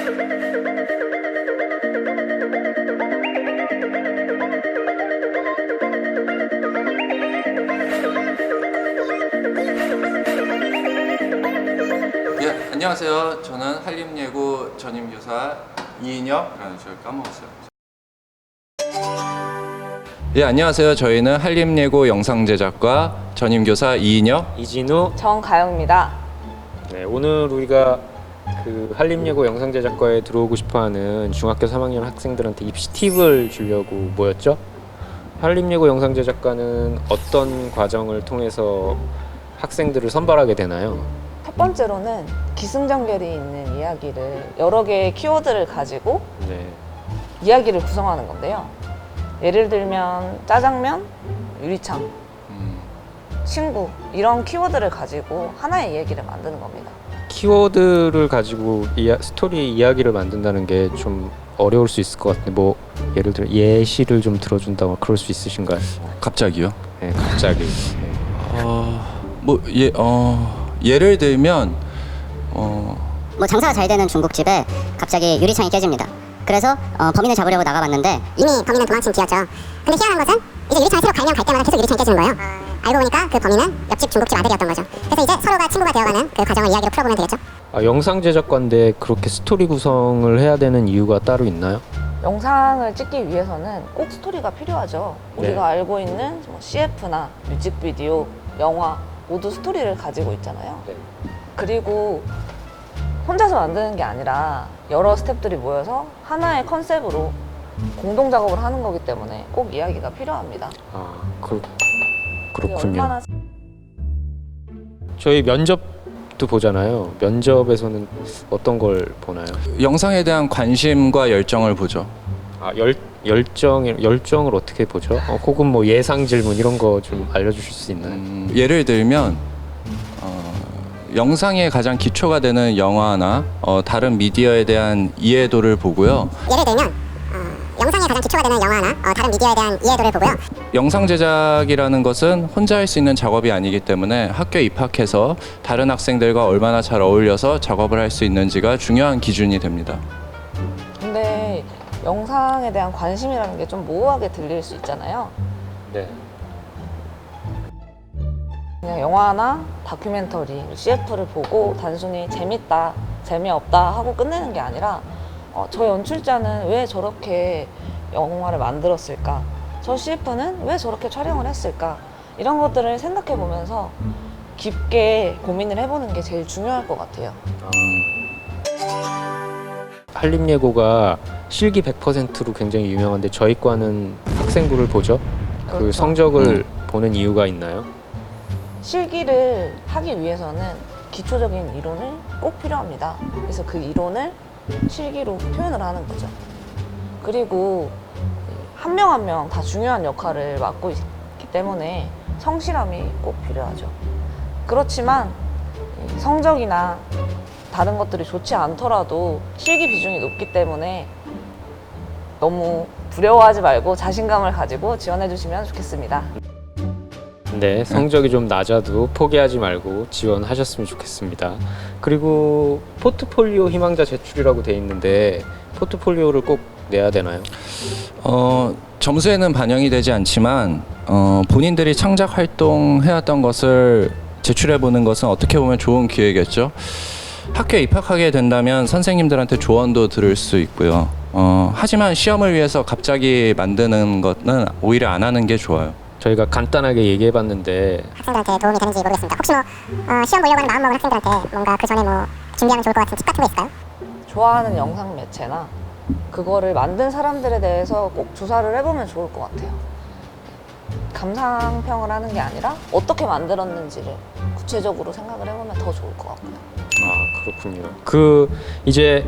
예, 안녕하세요. 저는 한림예고 전임교사 이인혁. 저 까먹었어요. 예, 안녕하세요. 저희는 한림예고 영상제작과 전임교사 이인혁, 이진우, 정가영입니다. 네, 오늘 우리가 그 한림예고 영상제작과에 들어오고 싶어하는 중학교 3학년 학생들한테 입시 팁을 주려고 모였죠. 한림예고 영상제작과는 어떤 과정을 통해서 학생들을 선발하게 되나요? 첫 번째로는 기승전결이 있는 이야기를 여러 개의 키워드를 가지고 네, 이야기를 구성하는 건데요. 예를 들면 짜장면, 유리창, 친구 이런 키워드를 가지고 하나의 이야기를 만드는 겁니다. 키워드를 가지고 스토리 이야기를 만든다는 게 좀 어려울 수 있을 것 같은데, 뭐 예를 들어 예시를 좀 들어준다거나 그럴 수 있으신가요? 갑자기요? 네, 갑자기. 네. 예를 들면 뭐 장사가 잘 되는 중국집에 갑자기 유리창이 깨집니다. 그래서 범인을 잡으려고 나가봤는데 이미 범인은 도망친 뒤였죠. 근데 희한한 것은 이제 유리창을 새로 갈면 갈 때마다 계속 유리창이 깨지는 거예요. 알고 보니까 그 범인은 옆집 중국집 아들이었던 거죠. 그래서 이제 서로가 친구가 되어가는 그 과정을 이야기로 풀어보면 되겠죠. 영상 제작과인데 그렇게 스토리 구성을 해야 되는 이유가 따로 있나요? 영상을 찍기 위해서는 꼭 스토리가 필요하죠. 네. 우리가 알고 있는 뭐 CF나 뮤직비디오, 영화 모두 스토리를 가지고 있잖아요. 네. 그리고 혼자서 만드는 게 아니라 여러 스태프들이 모여서 하나의 컨셉으로 공동 작업을 하는 거기 때문에 꼭 이야기가 필요합니다. 그게 그렇군요. 얼마나 저희 면접도 보잖아요. 면접에서는 어떤 걸 보나요? 영상에 대한 관심과 열정을 보죠. 열정을 어떻게 보죠? 혹은 뭐 예상 질문 이런 거 좀 알려주실 수 있나요? 예를 들면 영상의 가장 기초가 되는 영화나 다른 미디어에 대한 이해도를 보고요. 예를 들면 영상에 가장 기초가 되는 영화나 다른 미디어에 대한 이해도를 보고요. 영상 제작이라는 것은 혼자 할 수 있는 작업이 아니기 때문에 학교에 입학해서 다른 학생들과 얼마나 잘 어울려서 작업을 할 수 있는지가 중요한 기준이 됩니다. 근데 영상에 대한 관심이라는 게 좀 모호하게 들릴 수 있잖아요. 네. 그냥 영화나 다큐멘터리, CF를 보고 단순히 재밌다, 재미없다 하고 끝내는 게 아니라 저 연출자는 왜 저렇게 영화를 만들었을까? 저 CF는 왜 저렇게 촬영을 했을까? 이런 것들을 생각해 보면서 깊게 고민을 해보는 게 제일 중요할 것 같아요. 한림예고가 실기 100%로 굉장히 유명한데 저희 과는 학생부를 보죠. 그 그렇죠. 성적을 보는 이유가 있나요? 실기를 하기 위해서는 기초적인 이론을 꼭 필요합니다. 그래서 그 이론을 실기로 표현을 하는 거죠. 그리고 한 명 한 명 다 중요한 역할을 맡고 있기 때문에 성실함이 꼭 필요하죠. 그렇지만 성적이나 다른 것들이 좋지 않더라도 실기 비중이 높기 때문에 너무 두려워하지 말고 자신감을 가지고 지원해 주시면 좋겠습니다. 네, 성적이 좀 낮아도 포기하지 말고 지원하셨으면 좋겠습니다. 그리고 포트폴리오 희망자 제출이라고 돼 있는데 포트폴리오를 꼭 내야 되나요? 점수에는 반영이 되지 않지만 본인들이 창작 활동해왔던 것을 제출해보는 것은 어떻게 보면 좋은 기회겠죠. 학교에 입학하게 된다면 선생님들한테 조언도 들을 수 있고요. 하지만 시험을 위해서 갑자기 만드는 것은 오히려 안 하는 게 좋아요. 저희가 간단하게 얘기해봤는데 학생들한테 도움이 되는지 모르겠습니다. 혹시 뭐 시험 보려고 하는 마음먹은 학생들한테 뭔가 그 전에 뭐 준비하면 좋을 것 같은 팁 같은 거 있을까요? 좋아하는 영상 매체나 그거를 만든 사람들에 대해서 꼭 조사를 해보면 좋을 것 같아요. 감상평을 하는 게 아니라 어떻게 만들었는지를 구체적으로 생각을 해보면 더 좋을 것 같고요. 그렇군요. 이제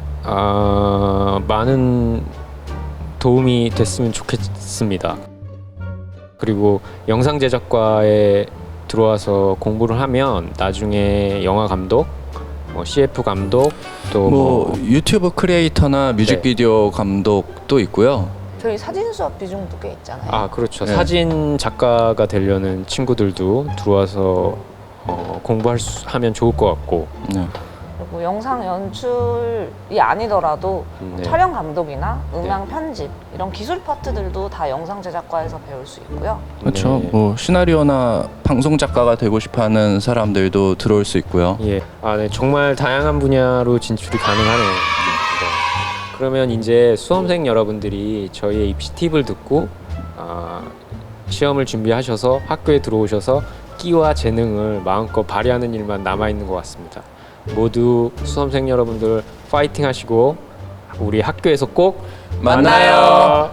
많은 도움이 됐으면 좋겠습니다. 그리고 영상 제작과에 들어와서 공부를 하면 나중에 영화 감독, CF 감독, 또 유튜브 크리에이터나 뮤직비디오 감독도 있고요. 저희 사진 수업 비중도 꽤 있잖아요. 그렇죠. 네. 사진 작가가 되려는 친구들도 들어와서 공부하면 좋을 것 같고. 네. 그리고 영상 연출이 아니더라도 네. 촬영 감독이나 음향 편집 이런 기술 파트들도 다 영상 제작과에서 배울 수 있고요. 그렇죠. 네. 뭐 시나리오나 방송 작가가 되고 싶어하는 사람들도 들어올 수 있고요. 예. 네. 정말 다양한 분야로 진출이 가능하네요. 네. 그러면 이제 수험생 여러분들이 저희의 입시 팁을 듣고 시험을 준비하셔서 학교에 들어오셔서 끼와 재능을 마음껏 발휘하는 일만 남아 있는 것 같습니다. 모두 수험생 여러분들 파이팅 하시고 우리 학교에서 꼭 만나요.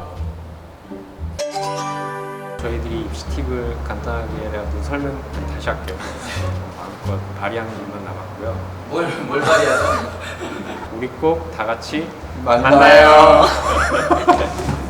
저희들이 입시 팁을 간단하게라도 설명 다시 할게요. 마음껏 발휘하는 일만 남았고요. 뭘 발휘하죠? 우리 꼭 다 같이 만나요.